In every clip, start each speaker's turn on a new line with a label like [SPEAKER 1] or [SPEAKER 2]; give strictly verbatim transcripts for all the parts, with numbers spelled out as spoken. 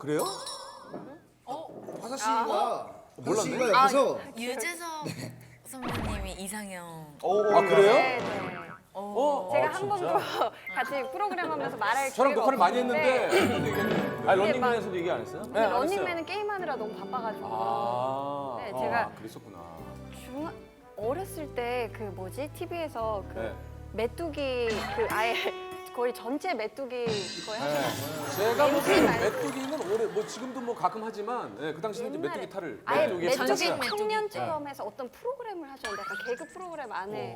[SPEAKER 1] 그래요?
[SPEAKER 2] 화사 씨가 화사 씨가
[SPEAKER 1] 몰랐네.
[SPEAKER 2] 옆에서
[SPEAKER 3] 유재석 선배님이 이상형.
[SPEAKER 1] 아 그래요?
[SPEAKER 4] 네, 네.
[SPEAKER 1] 어?
[SPEAKER 4] 제가
[SPEAKER 1] 아,
[SPEAKER 4] 한 번도 같이 프로그램 하면서 말할
[SPEAKER 1] 저랑
[SPEAKER 4] 기회가
[SPEAKER 1] 녹화를 많이
[SPEAKER 4] 없었는데
[SPEAKER 1] 했는데 얘기했는데.
[SPEAKER 5] 아니 런닝맨에서도 얘기 안 했어요?
[SPEAKER 4] 근데 런닝맨은 게임하느라 너무 바빠가지고
[SPEAKER 1] 아,
[SPEAKER 4] 네,
[SPEAKER 1] 아,
[SPEAKER 4] 제가
[SPEAKER 1] 그랬었구나.
[SPEAKER 4] 중 어렸을 때 그 뭐지 티비에서 그
[SPEAKER 1] 네.
[SPEAKER 4] 메뚜기 그 아예 거의 전체 메뚜기 거의 하셨어요.
[SPEAKER 1] 제가 뭐
[SPEAKER 4] 엠씨 말고.
[SPEAKER 1] 메뚜기는 오래 뭐 지금도 뭐 가끔 하지만 예, 그 당시에 이제
[SPEAKER 4] 옛날에
[SPEAKER 1] 메뚜기 탈을
[SPEAKER 4] 아예
[SPEAKER 1] 메뚜기
[SPEAKER 4] 메뚜기
[SPEAKER 3] 전신
[SPEAKER 4] 청년
[SPEAKER 3] 메뚜기.
[SPEAKER 4] 체험에서 어떤 프로그램을 하셨는데 약간 개그 프로그램 안에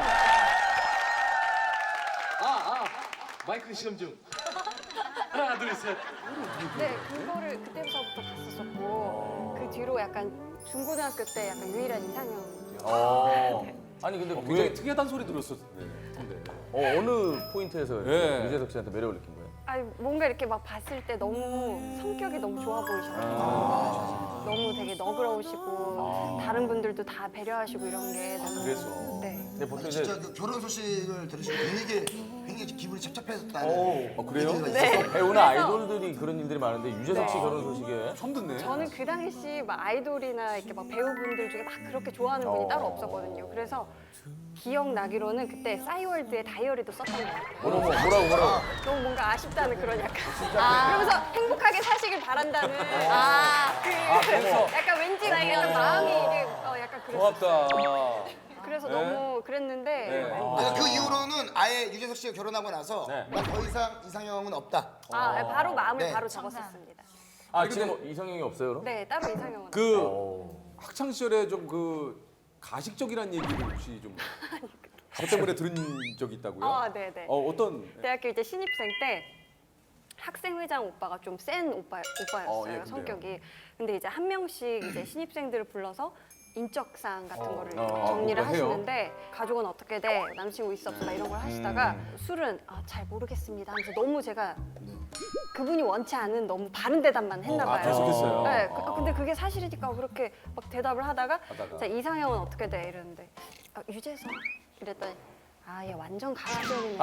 [SPEAKER 6] 아, 아, 마이크 시험 중. 하나, 둘, 셋.
[SPEAKER 4] 네 그거를 그때부터부터 봤었었고 그 뒤로 약간 중고등학교 때 약간 유일한 이상형.
[SPEAKER 5] 어. 아니 근데
[SPEAKER 1] 굉장히
[SPEAKER 5] 왜
[SPEAKER 1] 특이하다는 소리 들었었는데.
[SPEAKER 5] 어, 어느 포인트에서
[SPEAKER 1] 예.
[SPEAKER 5] 유재석 씨한테 매력을 느낀 거예요?
[SPEAKER 4] 아니 뭔가 이렇게 막 봤을 때 너무 성격이 너무 좋아 보이셔서 너무 되게 너그러우시고 다른 분들도 다 배려하시고 이런 게 너무
[SPEAKER 1] 그래서.
[SPEAKER 4] 네.
[SPEAKER 5] 근데 보통 이제
[SPEAKER 2] 진짜 그 결혼 소식을 들으시고 굉장히 굉장히 기분이 찹찹했다는
[SPEAKER 5] 오,
[SPEAKER 1] 어, 그래요?
[SPEAKER 2] 얘기가
[SPEAKER 4] 네.
[SPEAKER 2] 있어서
[SPEAKER 5] 배우나 아이돌들이 그런 일들이 많은데 유재석 씨
[SPEAKER 4] 네.
[SPEAKER 5] 결혼 소식에
[SPEAKER 1] 처음 듣네.
[SPEAKER 4] 저는 그 당시 막 아이돌이나 이렇게 막 배우분들 중에 막 그렇게 좋아하는 분이
[SPEAKER 5] 어.
[SPEAKER 4] 따로 없었거든요. 그래서 기억나기로는 그때 싸이월드의 다이어리도 썼던 것 같아요.
[SPEAKER 5] 뭐라고 뭐라고 뭐라고
[SPEAKER 4] 너무 뭔가 아쉽다는 그런 약간 아, 그러면서 행복하게 사시길 바란다는 아, 그
[SPEAKER 5] 그래서?
[SPEAKER 4] 약간 왠지 약간 마음이 이게 어, 약간 그랬어요.
[SPEAKER 1] 고맙다.
[SPEAKER 4] 그래서
[SPEAKER 1] 네.
[SPEAKER 4] 너무 그랬는데
[SPEAKER 1] 네.
[SPEAKER 4] 아,
[SPEAKER 2] 그 이후로는 아예 유재석 씨가 결혼하고 나서
[SPEAKER 5] 네.
[SPEAKER 2] 난 더 이상 이상형은 없다.
[SPEAKER 4] 아, 바로 마음을
[SPEAKER 2] 네.
[SPEAKER 4] 바로 적었었습니다.
[SPEAKER 5] 아 지금 뭐 이상형이 없어요 그럼?
[SPEAKER 4] 네, 따로 이상형은
[SPEAKER 1] 그
[SPEAKER 5] 오.
[SPEAKER 1] 학창 시절에 좀 그 가식적이라는 얘기를 혹시 좀 저 때문에 들은 적이 있다고요?
[SPEAKER 4] 아, 네, 네.
[SPEAKER 1] 어 어떤?
[SPEAKER 4] 대학교 이제 신입생 때 학생회장 오빠가 좀 센 오빠 오빠였어요
[SPEAKER 1] 어, 예, 근데요.
[SPEAKER 4] 성격이. 근데 이제 한 명씩 이제 신입생들을 불러서 인적사항 같은 거를
[SPEAKER 5] 어,
[SPEAKER 4] 정리를
[SPEAKER 1] 그거 해요?
[SPEAKER 4] 하시는데 가족은 어떻게 돼? 남친구 있어 없어? 막 이런 걸 하시다가
[SPEAKER 1] 음.
[SPEAKER 4] 술은 아, 잘 모르겠습니다 하면서 너무 제가 그분이 원치 않은 너무 바른 대답만 했나
[SPEAKER 1] 아,
[SPEAKER 4] 봐요.
[SPEAKER 1] 계속했어요?
[SPEAKER 4] 네, 그- 아, 근데 그게 사실이니까 그렇게 막 대답을 하다가
[SPEAKER 1] 하다가.
[SPEAKER 4] 자, 이상형은 어떻게 돼? 이랬는데 아, 유재석 이랬더니 아, 얘 완전 가라앉네.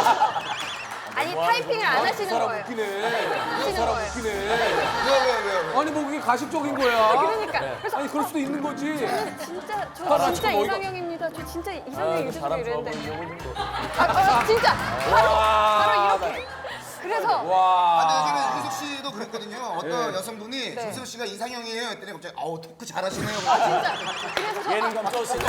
[SPEAKER 4] 아니 타이핑을 안
[SPEAKER 1] 그
[SPEAKER 4] 하시는
[SPEAKER 1] 사람
[SPEAKER 4] 거예요.
[SPEAKER 1] 웃기네.
[SPEAKER 4] 하시는
[SPEAKER 1] 그 사람
[SPEAKER 4] 거예요.
[SPEAKER 1] 웃기네.
[SPEAKER 2] 왜왜 왜? 왜?
[SPEAKER 1] 아니 뭐 그게 가식적인 거야.
[SPEAKER 4] 그러니까 그래서
[SPEAKER 1] 아니 그럴 수도 있는 거지.
[SPEAKER 4] 진짜 저
[SPEAKER 1] 사람
[SPEAKER 4] 진짜
[SPEAKER 1] 참 어이가-
[SPEAKER 4] 이상형입니다. 저 진짜
[SPEAKER 5] 아,
[SPEAKER 4] 이상형
[SPEAKER 5] 그
[SPEAKER 4] 유재석
[SPEAKER 5] 사람
[SPEAKER 4] 이랬는데
[SPEAKER 5] 좋아보는 거
[SPEAKER 4] 아, 아, 진짜 바로 바로 이렇게. 그래서
[SPEAKER 1] 와.
[SPEAKER 2] 아, 근데 요즘에 유재석 씨도 그랬거든요. 어떤
[SPEAKER 1] 네.
[SPEAKER 2] 여성분이
[SPEAKER 4] 네.
[SPEAKER 2] 유재석 씨가 이상형이에요 했더니 갑자기 아우 토크 잘하시네요.
[SPEAKER 4] 진짜 그래서 저
[SPEAKER 5] 예능감 쩌시네.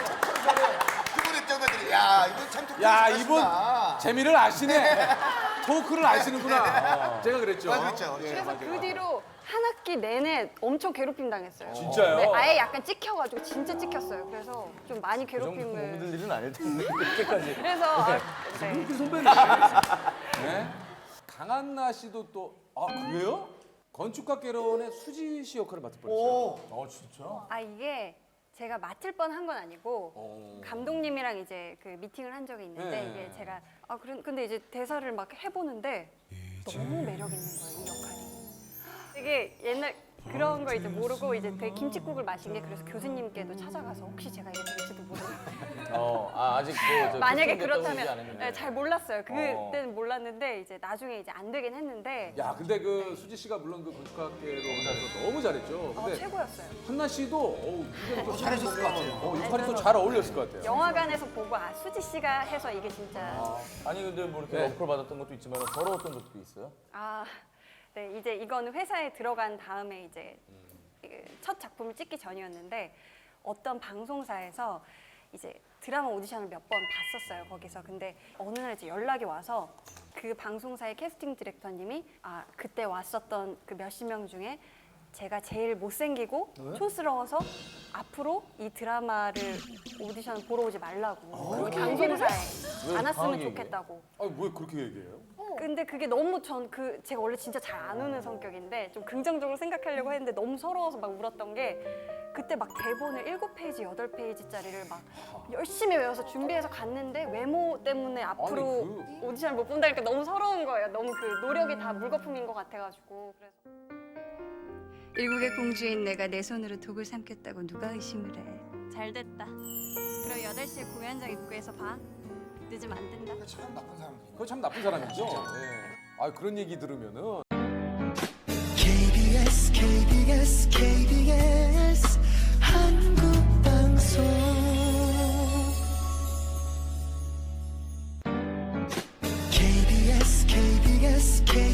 [SPEAKER 2] 그분 입장들이 야 이거 참 토크
[SPEAKER 1] 야
[SPEAKER 2] 잘하신다.
[SPEAKER 1] 이분 재미를 아시네. 토크를 아시는구나. 제가 그랬죠.
[SPEAKER 2] 아, 그렇죠.
[SPEAKER 1] 예,
[SPEAKER 4] 그래서
[SPEAKER 1] 맞아요.
[SPEAKER 4] 그 뒤로 한 학기 내내 엄청 괴롭힘 당했어요.
[SPEAKER 1] 진짜요?
[SPEAKER 4] 네, 아예 약간 찍혀가지고 진짜 찍혔어요. 그래서 좀 많이
[SPEAKER 5] 그 정도
[SPEAKER 4] 괴롭힘을.
[SPEAKER 5] 몸들 일은 아닐 텐데 그렇게까지.
[SPEAKER 4] 그래서 아, 네.
[SPEAKER 1] 그 선배님. 네. 강한나 씨도 또 아 그래요? 건축가개론의 수지 씨 역할을 맡을 뻔했어요.
[SPEAKER 2] 오.
[SPEAKER 5] 어 진짜?
[SPEAKER 4] 아 이게 제가 맡을 뻔한 건 아니고
[SPEAKER 1] 어.
[SPEAKER 4] 감독님이랑 이제 그 미팅을 한 적이 있는데
[SPEAKER 1] 네.
[SPEAKER 4] 이게 제가 아 그런 근데 이제 대사를 막 해보는데 너무 매력 있는 거예요 이 역할이. 되게 옛날 그런 거 이제 모르고 이제 되게 김칫국을 마신 게 그래서 교수님께도 찾아가서 혹시 제가 이게 될지도 모르겠어요.
[SPEAKER 5] 어, 아, 아직 그, 저
[SPEAKER 4] 만약에
[SPEAKER 5] 결정됐다고 얘기 안
[SPEAKER 4] 그렇다면
[SPEAKER 5] 했는데.
[SPEAKER 4] 네, 잘 몰랐어요.
[SPEAKER 5] 어.
[SPEAKER 4] 그때는 몰랐는데 이제 나중에 이제 안 되긴 했는데
[SPEAKER 1] 야 근데 그 수지 씨가 물론 그 건축가개론에서 너무 잘했죠.
[SPEAKER 4] 어,
[SPEAKER 1] 근데
[SPEAKER 4] 최고였어요.
[SPEAKER 1] 한나 씨도 어우 이게 또
[SPEAKER 2] 잘하셨을 것 같아요.
[SPEAKER 1] 어, 이 팔이 또 잘 어울렸을 것 같아요.
[SPEAKER 4] 영화관에서 보고 아 수지 씨가 해서 이게 진짜
[SPEAKER 5] 아니 근데 뭐 이렇게
[SPEAKER 1] 네.
[SPEAKER 5] 어플 받았던 것도 있지만 더러웠던 적도 있어요?
[SPEAKER 4] 아, 네 이제 이거는 회사에 들어간 다음에 이제 이게 첫 작품을 찍기 전이었는데 어떤 방송사에서 이제 드라마 오디션을 몇 번 봤었어요 거기서. 근데 어느 날 이제 연락이 와서 그 방송사의 캐스팅 디렉터님이 아 그때 왔었던 그 몇십 명 중에 제가 제일 못생기고 촌스러워서 앞으로 이 드라마를 오디션을 보러 오지 말라고 그 방송사에
[SPEAKER 5] 왜
[SPEAKER 4] 안 왔으면
[SPEAKER 5] 강하게
[SPEAKER 4] 좋겠다고.
[SPEAKER 1] 아니 왜 그렇게 얘기해요?
[SPEAKER 4] 근데 그게 너무 전 그 제가 원래 진짜 잘 안 우는 성격인데 좀 긍정적으로 생각하려고 했는데 너무 서러워서 막 울었던 게 그때 막 대본을 일곱 페이지, 여덟 페이지짜리를 막 열심히 외워서 준비해서 갔는데 외모 때문에 앞으로
[SPEAKER 1] 아니,
[SPEAKER 4] 오디션을 못 본다니까 너무 서러운 거예요. 너무 그 노력이 다 물거품인 것 같아가지고. 그래서 일국의 공주인 내가 내 손으로 독을 삼켰다고 누가 의심을 해. 잘 됐다. 그럼 여덟 시에 공연장 입구에서 봐. 늦으면 안 된다.
[SPEAKER 2] 그거 참 나쁜 사람이에요.
[SPEAKER 1] 그거 참 나쁜 사람이죠. 예. 아 그런 얘기 들으면은
[SPEAKER 7] 케이비에스 케이비에스